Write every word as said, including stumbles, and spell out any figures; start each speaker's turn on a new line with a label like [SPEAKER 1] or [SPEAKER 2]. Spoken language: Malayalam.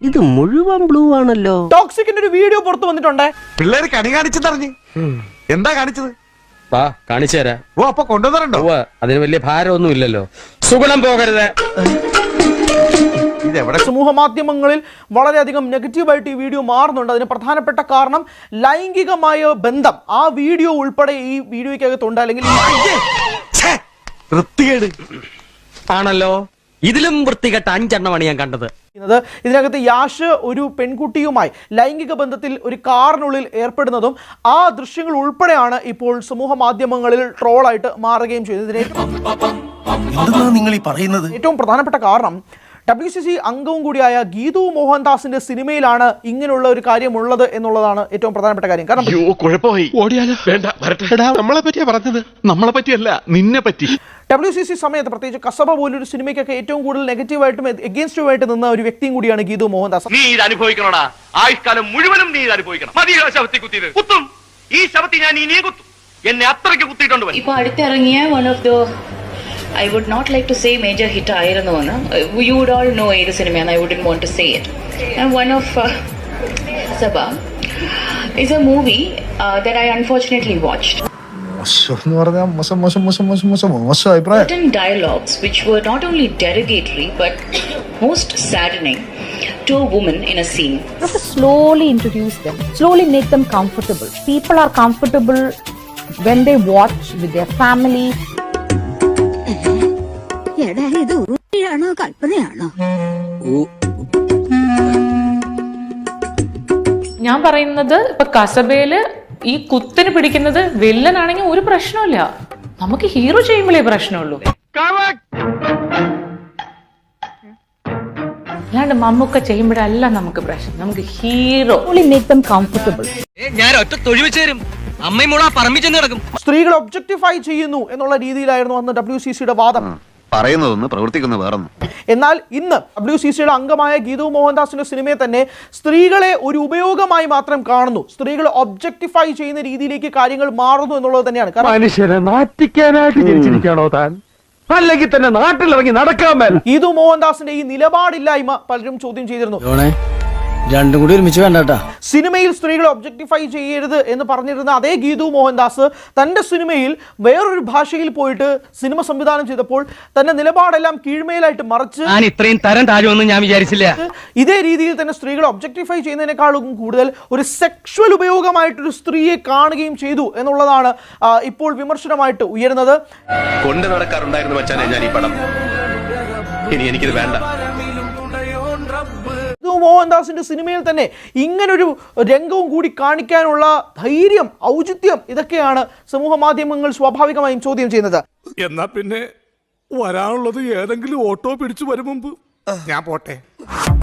[SPEAKER 1] ഇത് മുഴുവൻ ബ്ലൂ ആണല്ലോ.
[SPEAKER 2] ടോക്സിക്കിന്റെ ഒരു വീഡിയോ പുറത്തു വന്നിട്ടുണ്ട്.
[SPEAKER 3] പിള്ളേര് കണി കാണിച്ചെന്നറിഞ്ഞ് എന്താ കാണിച്ചത്?
[SPEAKER 4] വാ കാണിച്ചു തരാം.
[SPEAKER 3] ഓ അപ്പൊ കൊണ്ടുവന്നിട്ടുണ്ടോ?
[SPEAKER 4] അതിന് വലിയ ഭാരമൊന്നും ഇല്ലല്ലോ. സുഗുണം പോകരുത്.
[SPEAKER 3] ഇതെവിടെ?
[SPEAKER 2] സമൂഹ മാധ്യമങ്ങളിൽ വളരെയധികം നെഗറ്റീവായിട്ട് ഈ വീഡിയോ മാറുന്നുണ്ട്. അതിന് പ്രധാനപ്പെട്ട കാരണം ലൈംഗികമായ ബന്ധം ആ വീഡിയോ ഉൾപ്പെടെ ഈ വീഡിയോയ്ക്കകത്തുണ്ട്. അല്ലെങ്കിൽ
[SPEAKER 3] വൃത്തികേട്
[SPEAKER 4] ആണല്ലോ. ഇതിലും വൃത്തികെട്ട അഞ്ചെണ്ണമാണ് ഞാൻ കണ്ടത്.
[SPEAKER 2] ഇതിനകത്ത് യാഷ് ഒരു പെൺകുട്ടിയുമായി ലൈംഗിക ബന്ധത്തിൽ ഒരു കാറിനുള്ളിൽ ഏർപ്പെടുന്നതും ആ ദൃശ്യങ്ങൾ ഉൾപ്പെടെയാണ് ഇപ്പോൾ സമൂഹ മാധ്യമങ്ങളിൽ ട്രോളായിട്ട് മാറുകയും ചെയ്തത്.
[SPEAKER 1] നിങ്ങൾ ഈ പറയുന്നത്
[SPEAKER 2] ഏറ്റവും പ്രധാനപ്പെട്ട കാരണം ഡബ്ല്യു സി സി അംഗവും കൂടിയായ ഗീതു മോഹൻദാസിന്റെ സിനിമയിലാണ് ഇങ്ങനെയുള്ള ഒരു കാര്യം ഉള്ളത് എന്നുള്ളതാണ് ഏറ്റവും പ്രധാനപ്പെട്ട കാര്യം. കാരണം
[SPEAKER 3] നമ്മളെ പറ്റിയാ പറഞ്ഞത്, നമ്മളെ പറ്റിയല്ല നിന്നെ പറ്റി.
[SPEAKER 2] ഡബ്ല്യു സി സി സമയത്ത് പ്രത്യേകിച്ച് കസബ പോലൊരു സിനിമയ്ക്കൊക്കെ ഏറ്റവും കൂടുതൽ നെഗറ്റീവായിട്ടും എഗെയിൻസ്റ്റുമായിട്ട് നിന്ന ഒരു വ്യക്തിയും കൂടിയാണ് ഗീതു മോഹൻദാസ്.
[SPEAKER 5] നീ ഇത് അനുഭവിക്കണോടാ, ആയുഷ്കാലം മുഴുവനും നീ ഇത് അനുഭവിക്കണം. മതിയോ ശവത്തി കുത്തിയത്? കുത്തും, ഈ ശവത്തി ഞാൻ ഇനിയെ കുത്തും. എന്നെ അത്രയ്ക്ക് കുത്തിയിട്ടുണ്ട്.
[SPEAKER 6] ഇപ്പൊ അടുത്തിറങ്ങിയ one of the I would not like to say major hit ആയിരുന്നു എന്ന്. You would all know ഏത് സിനിമയാണ്. I wouldn't want to say it. And one of uh, Sabha is a movie uh, that I unfortunately watched. Certain dialogues which were not only derogatory but most saddening to a woman in a scene.
[SPEAKER 7] You have to slowly introduce them, slowly make them comfortable. People are comfortable when they watch with their family.
[SPEAKER 6] കൽപ്പനയാണോ?
[SPEAKER 8] ഞാൻ പറയുന്നത് ഇപ്പൊ കസബയില് ഈ കുത്തിന് പിടിക്കുന്നത് വില്ലനാണെങ്കിൽ ഒരു പ്രശ്നമില്ല, നമുക്ക് ഹീറോ ചെയ്യുമ്പോഴേ പ്രശ്നമുള്ളൂ. അല്ലാണ്ട് മമ്മൂക്ക ചെയ്യുമ്പോഴല്ല നമുക്ക് പ്രശ്നം, നമുക്ക് hero.
[SPEAKER 7] Slowly make them comfortable.
[SPEAKER 4] ഞാൻ ഒറ്റ തൊഴിൽ വെച്ച് തരും. അമ്മയും മോളാ പറമ്പിച്ചെന്ന് കിടക്കും.
[SPEAKER 2] സ്ത്രീകൾ ഒബ്ജക്ടിഫൈ ചെയ്യുന്നു എന്നുള്ള രീതിയിലായിരുന്നു അന്ന് ഡബ്ല്യു സി സിയുടെ വാദം.
[SPEAKER 3] പറയുന്നതൊന്ന് പ്രവർത്തിക്കുന്ന വേറൊന്നും.
[SPEAKER 2] എന്നാൽ ഇന്ന് ഡബ്ല്യു സി സിയുടെ അംഗമായ ഗീതു മോഹൻദാസിന്റെ സിനിമയെ തന്നെ സ്ത്രീകളെ ഒരു ഉപയോഗമായി മാത്രം കാണുന്നു, സ്ത്രീകളെ ഒബ്ജക്ടിഫൈ ചെയ്യുന്ന രീതിയിലേക്ക് കാര്യങ്ങൾ മാറുന്നു എന്നുള്ളത് തന്നെയാണ്.
[SPEAKER 4] മനുഷ്യനെ നാറ്റിക്കാനായിട്ട് ജനിച്ചിരിക്കണോ താൻ? അല്ലെങ്കിൽ തന്നെ നാട്ടിലിറങ്ങി നടക്കാൻ.
[SPEAKER 2] ഗീതു മോഹൻദാസിന്റെ ഈ നിലപാടില്ലായ്മ പലരും ചോദ്യം ചെയ്തിരുന്നു.
[SPEAKER 1] രണ്ടും കൂടി ഒരുമിച്ച് വേണ്ട.
[SPEAKER 2] സിനിമയിൽ സ്ത്രീകളെ ഒബ്ജക്ടിഫൈ ചെയ്യരുത് എന്ന് പറഞ്ഞിരുന്ന അതേ ഗീതു മോഹൻദാസ് തന്റെ സിനിമയിൽ വേറൊരു ഭാഷയിൽ പോയിട്ട് സിനിമ സംവിധാനം ചെയ്തപ്പോൾ തന്റെ നിലപാടെല്ലാം കീഴ്മേലായിട്ട് മറിച്ച്
[SPEAKER 4] ഇത്രയും തരം താഴുമെന്ന് ഞാൻ വിചാരിച്ചില്ല.
[SPEAKER 2] ഇതേ രീതിയിൽ തന്നെ സ്ത്രീകളെ ഒബ്ജക്ടിഫൈ ചെയ്യുന്നതിനേക്കാളും കൂടുതൽ ഒരു സെക്ഷുവൽ ഉപയോഗമായിട്ടൊരു സ്ത്രീയെ കാണുകയും ചെയ്തു എന്നുള്ളതാണ് ഇപ്പോൾ വിമർശനമായിട്ട് ഉയരുന്നത്.
[SPEAKER 5] കൊണ്ട് നടക്കാറുണ്ടായിരുന്നു മച്ചാനെ ഞാൻ ഈ പടം. ഇനി എനിക്കിത് വേണ്ട.
[SPEAKER 2] മോഹൻദാസിന്റെ സിനിമയിൽ തന്നെ ഇങ്ങനൊരു രംഗവും കൂടി കാണിക്കാനുള്ള ധൈര്യം, ഔചിത്യം, ഇതൊക്കെയാണ് സമൂഹ മാധ്യമങ്ങൾ സ്വാഭാവികമായും ചോദ്യം ചെയ്യുന്നത്.
[SPEAKER 9] എന്നാ പിന്നെ വരാനുള്ളത് ഏതെങ്കിലും ഓട്ടോ പിടിച്ചു വരും മുമ്പ് ഞാൻ പോട്ടെ.